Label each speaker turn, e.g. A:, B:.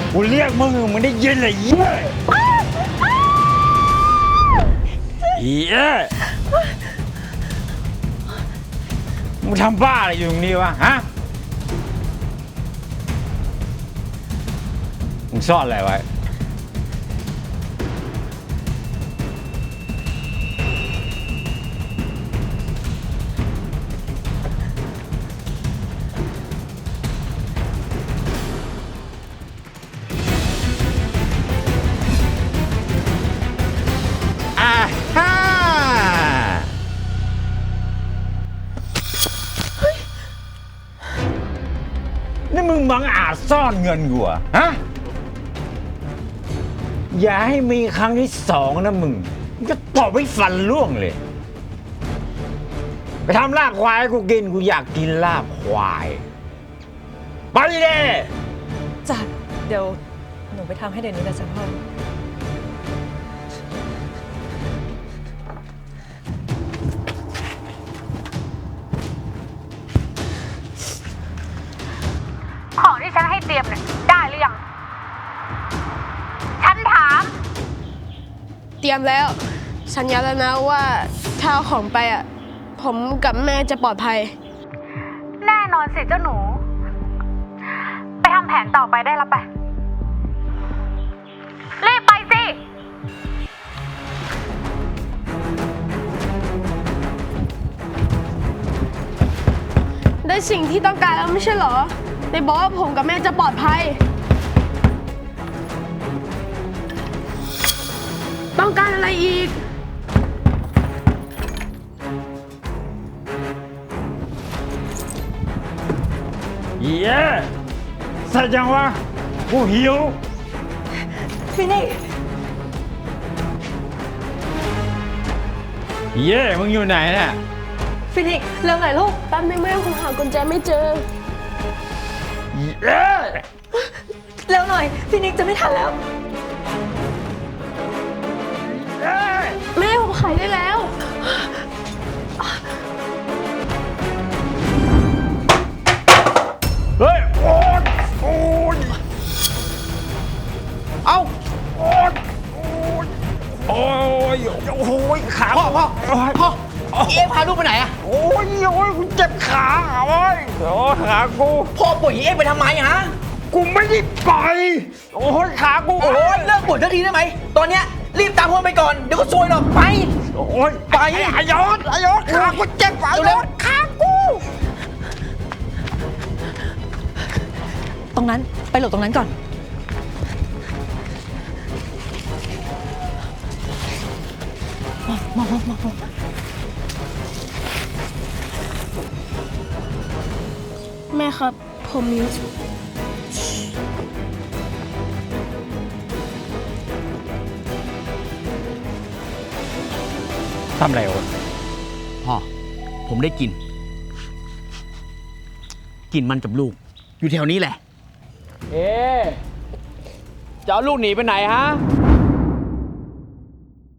A: กูเรียกมึงได้ยินเลยเย้เย้มึงทำบ้าอะไรอยู่ตรงนี้วะฮะมึงซ่อนอะไรไว้นี่มึงบังอาจซ่อนเงินกูอะฮะอย่าให้มีครั้งที่สองนะมึงก็ตบให้ฟันร่วงเลยไปทำลาบควายให้กูกินกูอยากกินลาบควายไปเลย
B: จ้ะเดี๋ยวหนูไปทำให้เดี๋ยวนี้เลยจ้ะพ่อ
C: ของที่ฉันให้เตรียมเนี่ยได้หรือยังฉันถาม
D: เตรียมแล้วสัญญาแล้วนะว่าถ้าเอาของไปอ่ะผมกับแม่จะปลอดภัย
C: แน่นอนสิเจ้าหนูไปทำแผนต่อไปได้แล้วไปรีบไปสิ
D: ได้สิ่งที่ต้องการแล้วไม่ใช่เหรอได้บอกว่าผมกับแม่จะปลอดภัยต้องการอะไรอีก
A: เย้เสร็จยังวะกูหิว
B: ฟินิก
A: เย้มึงอยู่ไหนเนี่ย
B: ฟินิกเร็วหน่อยลูก
D: แป๊บนึงแม่ผมหากุญแจไม่เจอ
A: เย้
B: เร็วหน่อยฟินิกจะไม่ทันแล้ว
D: แม่ผมขายได้แล้ว
A: เฮ้ยโอ๊ยโอ๊ยเอ้าโอ๊ยโอ๊ยโอ๊ยขาพ่อ
E: เอ๊ะพาลูกไปไหนอะ
A: โอ๊ยกูเจ็บขาโอ๊ยขากู
E: พ่อป่วยเอ๊ะไปทำไมฮะ
A: กูไม่ได้ไปโอ๊ยขากู
E: โอ้ยเลิกป่วยทันทีได้ไหมตอนเนี้ยรีบตามพ่อไปก่อนเดี๋ยวก็ซวยหรอกไป
A: โอ๊ยไปอายศขากูเจ็บอายศขากู
B: ตรงนั้นไปหลบตรงนั้นก่อนมอง
D: แม่ครับผมมี
A: ทำอะไรโอ๊ต
E: พ่อผมได้กลิ่นมันกับลูกอยู่แถวนี้แหละจะเอาลูกหนีไปไหนฮะ